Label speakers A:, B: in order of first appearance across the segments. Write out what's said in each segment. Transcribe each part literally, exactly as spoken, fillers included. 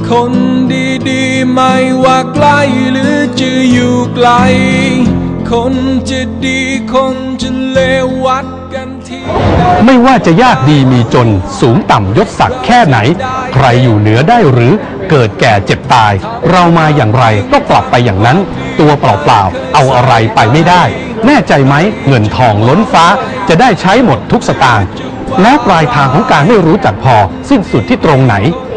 A: คนดีๆไม่ว่าใกล้หรือจะอยู่ไกลคนจะดีคนจะเลววัดกันที่
B: ไม่ว่าจะยากดีมีจนสูงต่ำยศศักดิ์แค่ไหนใครอยู่เหนือได้หรือเกิดแก่เจ็บตายเรามาอย่างไรก็กลับไปอย่างนั้นตัวเปล่าๆเอาอะไรไปไม่ได้แน่ใจไหมเงินทองล้นฟ้าจะได้ใช้หมดทุกสตางค์แล้วปลายทางของการไม่รู้จักพอสิ้นสุดที่ตรงไหน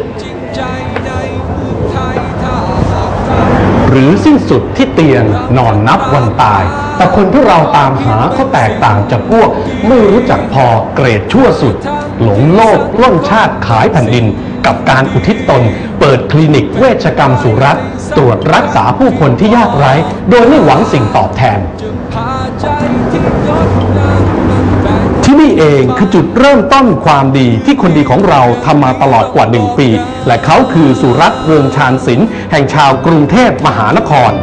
B: หรือสิ้นสุดที่เตียงนอนนับวันตายแต่คนที่เราตามหาเขาแตกต่างจากพวกไม่รู้จักพอเกรดชั่วสุดหลงโลกล่องชาติขายแผ่นดินกับการอุทิศตนเปิดคลินิกเวชกรรมสุรัตน์ตรวจรักษาผู้คนที่ยากไร้โดยไม่หวังสิ่งตอบแทนที่นี่เองคือจุดเริ่มต้นความดีที่คนดีของเราทำมาตลอดกว่าหนึ่งปีและเขาคือสุรัตน์เรืองชาญศิลป์แห่งชาวกรุงเทพมหานคร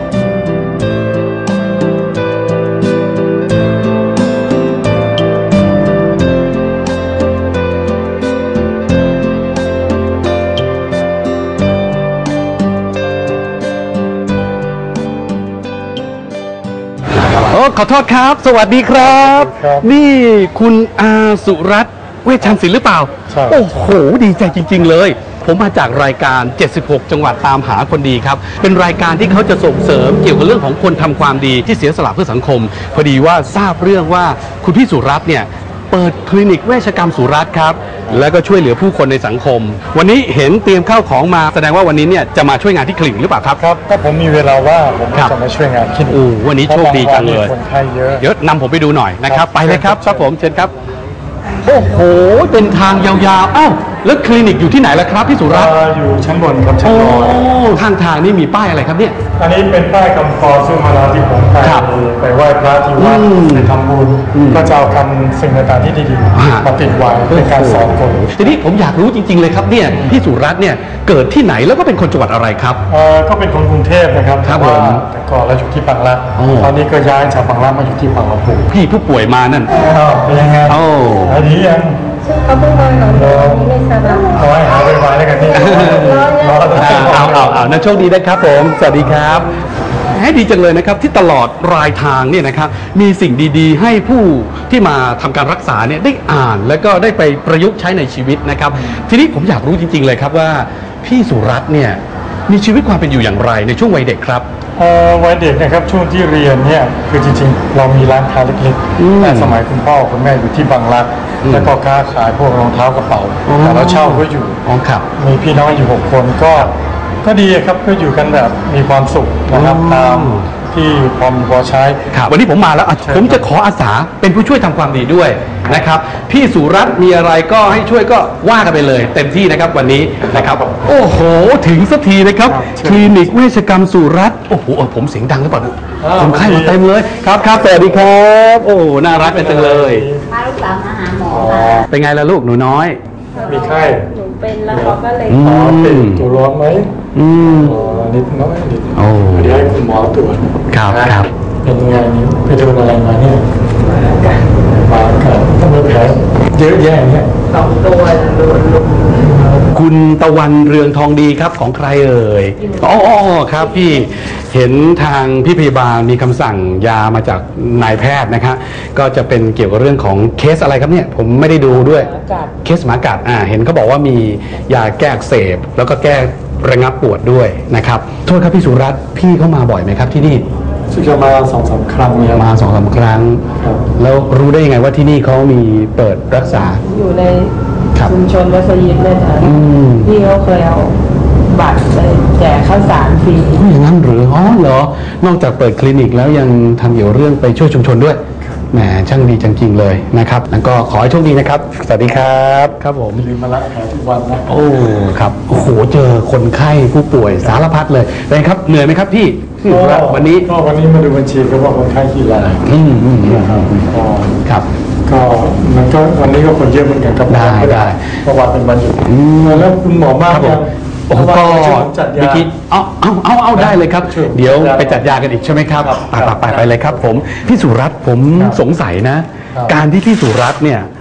B: ขอโทษครับสวัสดีครับนี่คุณอาสุรัตน์เวชชันศิลป์หรือเปล่าโอ้โหดีใจจริงๆเลยผมมาจากรายการเจ็ดสิบหกจังหวัดตามหาคนดีครับเป็นรายการที่เขาจะส่งเสริมเกี่ยวกับเรื่องของคนทำความดีที่เสียสละเพื่อสังคมพอดีว่าทราบเรื่องว่าคุณพี่สุรัตน์เนี่ยเปิดคลินิกเวชกรรมสุรัตน์ครับแล้วก็ช่วยเหลือผู้คนในสังคมวันนี้เห็นเตรียมข้าวของมาแสดงว่าวันนี้เนี่ยจะมาช่วยงานที่คลินิกหรือเปล่าครับ
C: ครับถ้าผมมีเวลาว่างผมจะมาช่วยงานคลินิก
B: โอ้วันนี้โชคดีจังเลย
C: คนไข้เยอะ
B: เดี๋ยวนำผมไปดูหน่อยนะครับไปเลยครับครับผมเชิญครับโอ้โหเป็นทางยาวๆอ้าวแล้วคลินิกอยู่ที่ไหนล่ะครับพี่สุรัตน์
C: อยู่ชั้นบนครับชั้นบน
B: ข้างทางนี่มีป้ายอะไรครับเนี่ย
C: อันนี้เป็นป้ายคำกรซึ่งเวลาที่ผมไปไปไหว้พระที่วัดไปทำบุญก็จะเอาคำสิ่งต่างๆที่ดีๆมาติดไว้เป็นการสอนคน
B: ทีนี้ผมอยากรู้จริงๆเลยครับเนี่ยพี่สุรัตน์เนี่ยเกิดที่ไหนแล้วก็เป็นคนจังหวัดอะไรครับ
C: เออก็เป็นคนกรุงเทพนะครับ
B: ครับผม
C: แต่ก่อนเราอยู่ที่บางรักตอนนี้ก็ย้ายจากบางรักมาอยู่ที่บางลำพู
B: พี่ผู้ป่วยมานั่น
C: เป็นยังไงโอ้ดียัง
D: เขาเพิ่งนอนนอนนี้ไม่ทราบ
C: เอาไว้หาไปไว้แล้วกันนี่
B: เอาเอาเอานะโชคดีนะครับผมสวัสดีครับให้ดีจังเลยนะครับที่ตลอดรายทางเนี่ยนะครับมีสิ่งดีๆให้ผู้ที่มาทำการรักษาเนี่ยได้อ่านแล้วก็ได้ไปประยุกต์ใช้ในชีวิตนะครับทีนี้ผมอยากรู้จริงๆเลยครับว่าพี่สุรัตน์เนี่ยมีชีวิตความเป็นอยู่อย่างไรในช่วงวัยเด็กครับ
C: วัยเด็กนะครับช่วงที่เรียนเนี่ยคือจริงๆเรามีร้านค้าเล็กๆแต่สมัยคุณพ่อคุณแม่อยู่ที่บางรักแล้วก็ค้าขายพวกรองเท้ากระเป๋าแต่เราเช่าก็อยู่มีพี่น้องอยู่หกคนก็ก็ดีครับก็อยู่กันแบบมีความสุขนะครับตามที่พอมีพอใช้
B: วันนี้ผมมาแล้วผมจะขออาสาเป็นผู้ช่วยทำความดีด้วยนะครับพี่สุรัตน์มีอะไรก็ให้ช่วยก็ว่ากันไปเลยเต็มที่นะครับวันนี้นะครับโอ้โหถึงสักทีนะครับคลินิกเวชกรรมสุรัตน์โอ้โหผมเสียงดังหรือเปล่าผมไข้มาเต็มเลยครับครับสวัสดีครับโอ้น่ารักเป็นจังเลย
D: พาลูกสาวมาหาหมอ
B: เป็นไงล่ะลูกหนูน้อย
C: มีไข้
D: หนูเป็นแล้วเขาก็เลย
C: อ๋อเป็นตัวร้อนไหมอืมนิดน้อยนิดโอ้เดี๋ยวให้คุณหมอตรวจ
B: ครับครับ
C: เป็นไงนี่ไปโดนอะไรมาเนี่ยมากันทำไมแผลเยอะแยะเนี่ย
D: สองตัวโดนลุม
B: คุณตะวันเรืองทองดีครับของใครเอ่ยอ๋อครับพี่เห็นทางพี่พยาบาลมีคำสั่งยามาจากนายแพทย์นะครับก็จะเป็นเกี่ยวกับเรื่องของเคสอะไรครับเนี่ยผมไม่ได้ดูด้วยเคสหมากัดอ่าเห็นเขาบอกว่ามียาแก้อักเสบแล้วก็แก้ระงับปวดด้วยนะครับโทษครับพี่สุรัตน์พี่เข้ามาบ่อยไหมครับที่นี่
C: ซึ่งจะมาสองสามครั้ง
B: มาสองสามครั้งแล้วรู้ได้ยังไงว่าที่นี่เขามีเปิดรักษา
D: อยู่ในชุมชนวัดสยิดเลยค่ะพี่เขาเคยเอาบัตรไปแจกข้าวสารฟรี
B: อย่างนั้นหรืออ๋อเหรอนอกจากเปิดคลินิกแล้วยังทำเกี่ยวเรื่องไปช่วยชุมชนด้วยแหมช่างดีจริงๆเลยนะครับแล้วก็ขอให้โชคดีนะครับสวัสดีครับครับผม
C: ลืมมาละแผลทุกวันนะ
B: โอ้ครับโอ้โหเจอคนไข้ผู้ป่วยสารพัดเลยเป็นครับเหนื่อยไหมครับพี่วันนี้
C: ก็วันนี้มาดูบัญชีก็ว่าคนไข้กี่ราย
B: อืมอืมครับ
C: ก็มันก็วันนี้ก็คนเยอะเหมือนกันครับ
B: ได้ได้
C: เพราะว่าเป็นวันหยุดแล้วคุณหมอมาก
B: ครับโอ้ก็วิธีเอาเอาเอาเอาได้เลยครับเดี๋ยวไปจัดยากันอีกใช่ไหมครับไปไปไปเลยครับผมพี่สุรัตน์ผมสงสัยนะการที่พี่สุรัตน์เนี่ย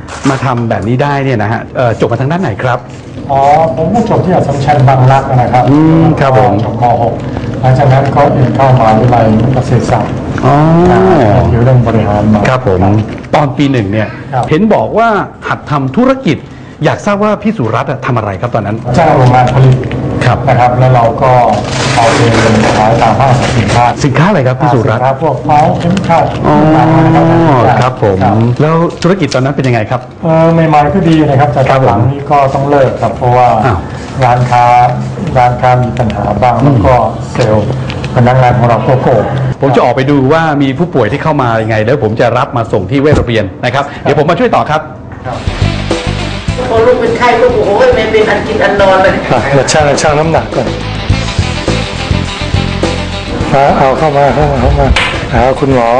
B: มาทำแบบนี้ได้เนี่ยนะฮะจบมาทางด้านไหนครับ
C: อ๋อผมก็จบที่อัสสัมชัญบางรักนะครับ
B: อืมครับผม
C: จบม หก หลังจากนั้นก็เรียนเข้ามหาวิทยาลัยเกษตรศาสตร์
B: อ๋อ
C: เรื่องบริหารมา
B: ครับผมตอนปีหนึ่งเนี่ยเห็นบอกว่าหัดทำธุรกิจอยากทราบว่าพี่สุรัตน์ทำอะไรครับตอนนั้น
C: จ้างโรงงานผลิตนะครับแล้วเราก็เอาไปขายตามห้างสินค้า
B: สินค้าอะไรครับพี่สุรัตน์
C: พวกเมาส์เข็มขัด
B: ครับผมแล้วธุรกิจตอนนั้นเป็นยังไงครับ
C: เออใหม่ๆก็ดีนะครับแต่ตอนหลังนี้ก็ต้องเลิกครับเพราะว่าร้านค้าร้านค้ามีปัญหาบ้างแล้วก็เซลล์พนักงานของเราก็โกง
B: ผมจะออกไปดูว่ามีผู้ป่วยที่เข้ามายังไงแล้วผมจะรับมาส่งที่เวชโรงเรียนนะครับเดี๋ยวผมมาช่วยต่อครับ
D: พอลูกเป็นไข้ลูกโอ้ยไม่เป็นอันกินอันนอนเลย
C: มาช่างช่างน้ำหนักก่อนมาเอาเข้ามาเข้ามาเข้ามาหาคุณหมอ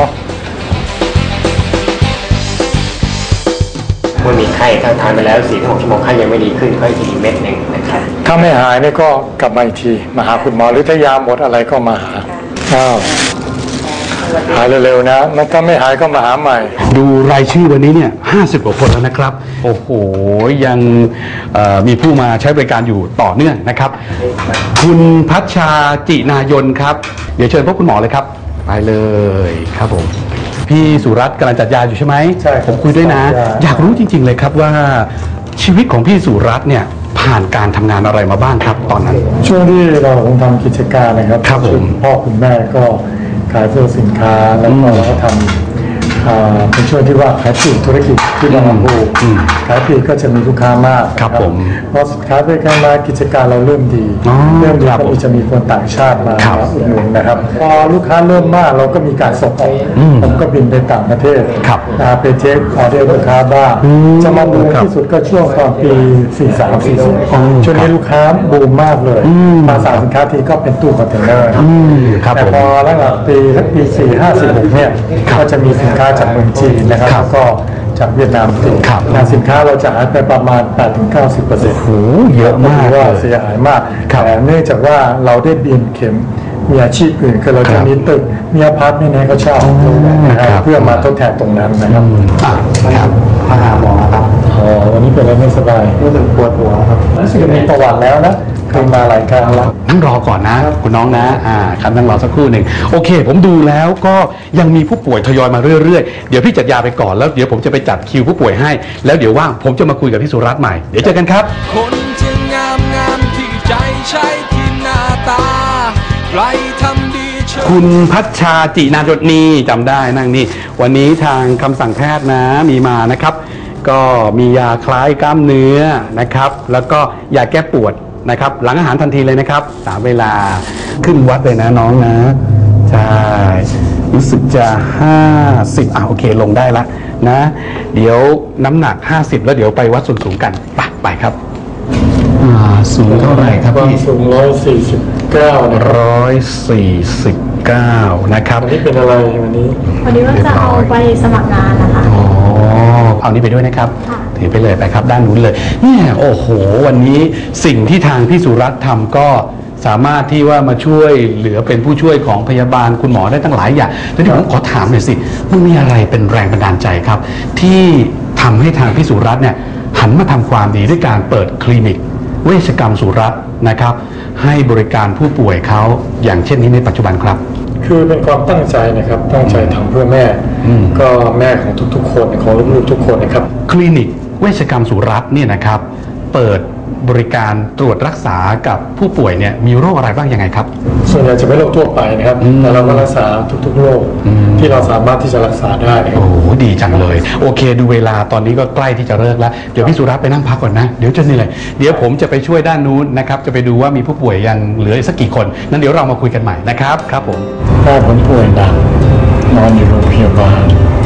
E: เมื่อมีไข้ถ้าทานไปแล้วสี่ถึงหกชั่วโมงไข้ยังไม่ดีขึ้นค่อยกินอีกเม็ดหนึ่งนะครับ
C: ถ้าไม่หายนี่ก็กลับมาอีกทีมาหาคุณหมอหรือถ้ายาหมดอะไรก็มาหาอ้าวหายเร็วๆนะมันถ้าไม่หายก็มาหาใหม่
B: ดูรายชื่อวันนี้เนี่ยห้าสิบกว่าคนแล้วนะครับโอ้โหยังมีผู้มาใช้บริการอยู่ต่อเนื่องนะครับคุณพัชชาจินายนครับเดี๋ยวเชิญพบคุณหมอเลยครับไปเลยครับผมพี่สุรัตน์กำลังจัดยาอยู่ใช่ไหม
C: ใช่
B: ผมคุยด้วยนะอยากรู้จริงๆเลยครับว่าชีวิตของพี่สุรัตน์เนี่ยผ่านการทำงานอะไรมาบ้างครับตอนนั้น
C: ช่วงที่เราคงทำกิจการนะครับ
B: ครับผม
C: พ่อคุณแม่ก็ขายพวกสินค้าแล้วก็เราก็ทำเป็นช่วงที่ว่าขายปลีกธุรกิจที่บางลำพูขายปลีกก็จะมีลูกค้ามาก
B: ครับผม
C: พอสินค้าไปกันมากิจการเราเริ่มดีเริ่มดีก็มีจะมีคนต่างชาติมาอุดหนุนนะครับพอลูกค้าเริ่มมากเราก็มีการส่งออกผมก็บินไปต่างประเทศไปเทคออเดอร์ลูกค้าบ้างจะมาเหมือนที่สุดก็ช่วงตอนปีสี่สาม สี่สี่ช่วงนี้ลูกค้าบูมมากเลยมาสั่งสินค้าทีก็เป็นตู้คอนเทนเนอร์แต่พอหลังปีสักปีสี่ห้าสี่หกเนี่ยก็จะมีสินค้าจากเมืองจีนนะครับแล้วก็จากเวียดนามติดงานสินค้าเราจะหายไปประมาณ แปดถึงเก้าสิบเปอร์เซ็นต์
B: โอ้เยอะมาก
C: ว่าเสียหายมากแต่เนื่องจากว่าเราได้เบียนเข็มมีอาชีพอื่นคือเราจะมีตึกมีอพาร์ตเมนต์ให้เขาเช่าเพื่อมาทดแทนตรงนั้นนะครับ
B: ครับมาหาหมอครับ
C: อ๋อวันนี้เป็นอะไรไม่สบาย
B: รู้สึกปวดหัวครับ
C: รู้สึกมีประวัติแล้วนะเคยมาหลายครั้งแล้ว
B: นั่งรอก่อนนะคุณน้องนะอ่าครับนั่งรอสักครู่หนึ่งโอเคผมดูแล้วก็ยังมีผู้ป่วยทยอยมาเรื่อยๆเดี๋ยวพี่จัดยาไปก่อนแล้วเดี๋ยวผมจะไปจัดคิวผู้ป่วยให้แล้วเดี๋ยวว่างผมจะมาคุยกับพี่สุรัตน์ใหม่เดี๋ยวเจอกันครับ
A: คนจะงามงามที่ใจใช้ที่หน้าตาใครทำดี
B: คุณพัชชาจินายนนี่จำได้นั่งนี่วันนี้ทางคำสั่งแพทย์นะมีมานะครับก็มียาคลายกล้ามเนื้อนะครับแล้วก็ยาแก้ปวดนะครับหลังอาหารทันทีเลยนะครับตามเวลาขึ้นวัดเลยนะน้องนะใช่รู้สึกจะห้าสิบอ่ะโอเคลงได้ละนะเดี๋ยวน้ำหนักห้าสิบแล้วเดี๋ยวไปวัดส่วนสูงกันไปไปครับสูงเท่าไหร่ครับพี่
C: สูงร้อยสี่สิบเก้า
B: ร้อยสี่สิบเก้านะครับ
C: วันนี้เป็นอะไรวันนี้
F: วันนี้ว่าจะเอาไปสมัครงานนะคะ
B: อ๋อเอานี้ไปด้วยนะครับถือไปเลยไปครับด้านนู้นเลยเนี่ยโอ้โหวันนี้สิ่งที่ทางพี่สุรัตน์ทำก็สามารถที่ว่ามาช่วยเหลือเป็นผู้ช่วยของพยาบาลคุณหมอได้ตั้งหลายอย่างทีนี้ผมขอถามหน่อยสิมันมีอะไรเป็นแรงบันดาลใจครับที่ทำให้ทางพี่สุรัตน์เนี่ยหันมาทำความดีด้วยการเปิดคลินิกเวชกรรมสุรัตน์นะครับให้บริการผู้ป่วยเขาอย่างเช่นนี้ในปัจจุบันครับ
C: คือเป็นความตั้งใจนะครับตั้งใจทำเพื่อแม่ก็แม่ของทุกๆคนของลูกๆทุกคนนะครับ
B: คลินิกเวชกรรมสุรัตน์เนี่ยนะครับเปิดบริการตรวจรักษากับผู้ป่วยเนี่ยมีโรคอะไรบ้างยังไงครับ
C: ส่วนใหญ่จะไม่โรคทั่วไปนะครับแต่เราก็รักษาทุกๆโรคที่เราสามารถที่จะรักษาได้
B: โอ้โหดีจังเลยโอเคดูเวลาตอนนี้ก็ใกล้ที่จะเลิกแล้วเดี๋ยวพี่สุรัตน์ไปนั่งพักก่อนนะเดี๋ยวจะนี่เลยเดี๋ยวผมจะไปช่วยด้านนู้นนะครับจะไปดูว่ามีผู้ป่วยยังเหลือสักกี่คนนั้นเดี๋ยวเรามาคุยกันใหม่นะครับครับผม
C: ถ้าผมป่วยหนักนอนอยู่โรงพยาบาล